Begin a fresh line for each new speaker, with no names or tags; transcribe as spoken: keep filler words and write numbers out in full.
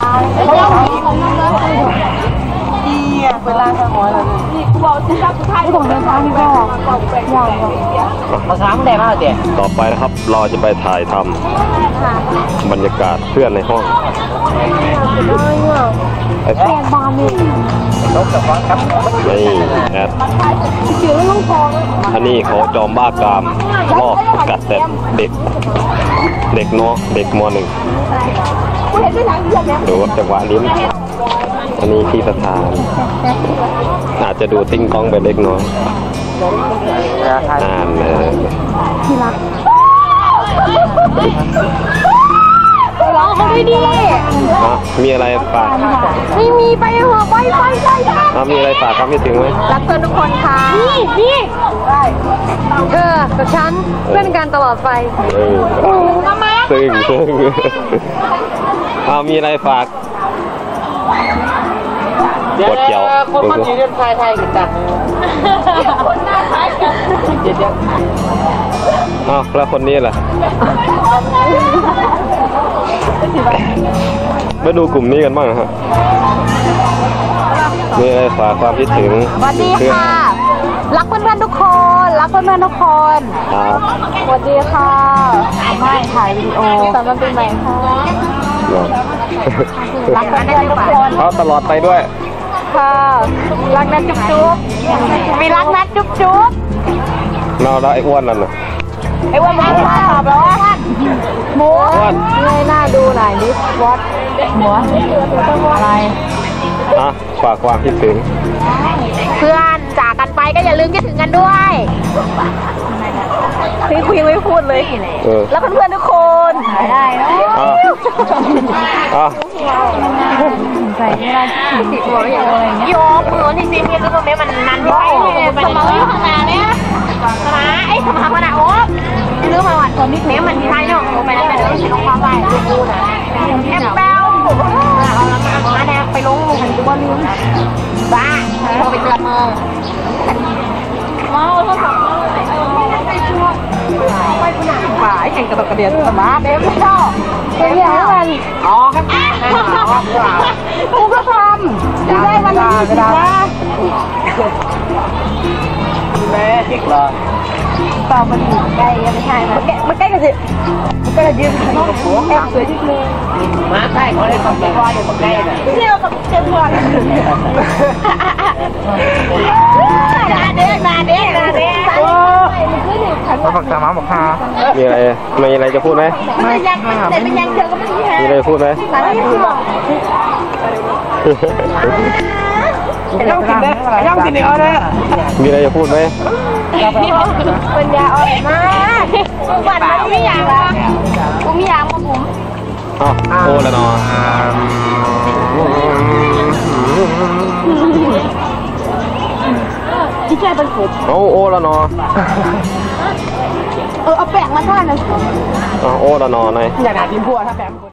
ที่เป็นร้านข้าวหอยเลยนี่กูบอกสิครับสุดท้ายที่ผมเดินทางนี่ก็ยากภาษาไม่ได้มากเด็ด
ต่อไปนะครับเราจะไปถ่ายทำบรรยากาศเพื่อนในห้องไอ้ฟ้าบาร์นี่นี่แอดอันนี้เขาจอมบ้ากามรอบกัดแต่เด็กเด็กน้องเด็กม.หนึ่งดูจังหวะลิ้นอันนี้ที่สถานอาจจะดูติ้งก้องไปเล็กน้อยอ่านเลยที่รักร้องเขาไม่ดีมีอะไรฝาก
ไม่มีไปหัวไปไปไป
ไปมีอะไรฝากครับพี่ถึงไหม
รักเพื่อนทุกคนค่ะนี่นี่เออกับฉันเพื่อนกันตลอดไป
ซึ่งซึ่งเอามีอะไรฝากกดเกี่ยว
คนมันอยู่ในไทยไทยกันจังคนหน้าคล้ายกันเดี๋ยว
อ้าวแล้วคนนี้ล่ะมาดูกลุ่มนี้กันบ้างฮะมีอะไรฝากความคิดถึง
สวัสดีค่ะรักเพื่อนๆทุกคนรักเพื่อนๆทุกคน
ครับ
สวัสดีค่ะไม่ถ่ายวิดีโอสำหรับปีใหม่ค่ะรักเพื่อนๆทุกคน
เขาตลอดไปด้วย
ค่ะรักนะจุ๊บจุ๊บมีรักนะจุ๊บจุ๊บ
เราแล้วไอ้อ้วนนั่นน่ะ
ไอ้อ้วนมันตอบแล้วว่าหมูเงยหน้าดูหน่อยดิวอตหัวอะไร
อ่ะฝากความคิดถึง
เพื่อนจากกันไปก็อย่าลืมคิดถึงกันด้วยพี่คุยไม่พูดเลยแล้วเพื่อนๆทุกคนได้
อ่ะอ่ะ
ใส่ไม่ได้ติดหัวอย่างไรเงี้ยโยกมือที่ซีนี่คือตรงนี้มันนันที่ไปสมองอยู่ข้างหน้าเนี่ยสมาไอ้สมาขนาดโอ๊บลืมมาวันตอนนี้เนี่ยมันที่ไทยเนาะไปแล้วไปแล้วลงความไปดูนะแอปเปิลเอาละมามาแดงไปลงลงหันตัวลืมบ้าพอไปเตือนมือเมาโทรศัพท์ไปช่วยไปผู้หนักฝ่ายแข่งกระดกกระเดียดสมาเด็กไม่ชอบเป็นอย่างนั้นอ๋อครับกูก็ทำได้วันนี้สินะแม่เด็กเลยต่อมันอยู่ใกล้ยังไม่ใช่ไหมมันใกล้กันสิมันก็เลยยืนน้องหัวแอบสวยที่มือมาใช่เขาได้ความว่าเดี๋ยวมันใกล้เลยเที่ยวกับเจ้าตัวนาเด็กนาเด็กนาเด็ก
มาฝักสามาบอกค่ะมีอะไรมีอะไรจะพูดไหม
ไม่ยังแต่เป็นยังเธอก็ไม่มี
มีอะไรพูดไหม
ต้องกินได้ต้องกินได้เลย
มีอะไรจะพูดไหม
ปัญญาอ่อนมากวันมันไม่อยากอ่ะกูไม่อยากมาผม
อ๋อโอ้แล้วเนาะ
ที่แค่เป็นผม
โอ้โอ้แล้วเนาะ
เออเอาแป้งมาท่าหน่อย
อ๋อโอ้แล้วเนาะนาย
อย่าหนาดินพัวถ้าแป้ง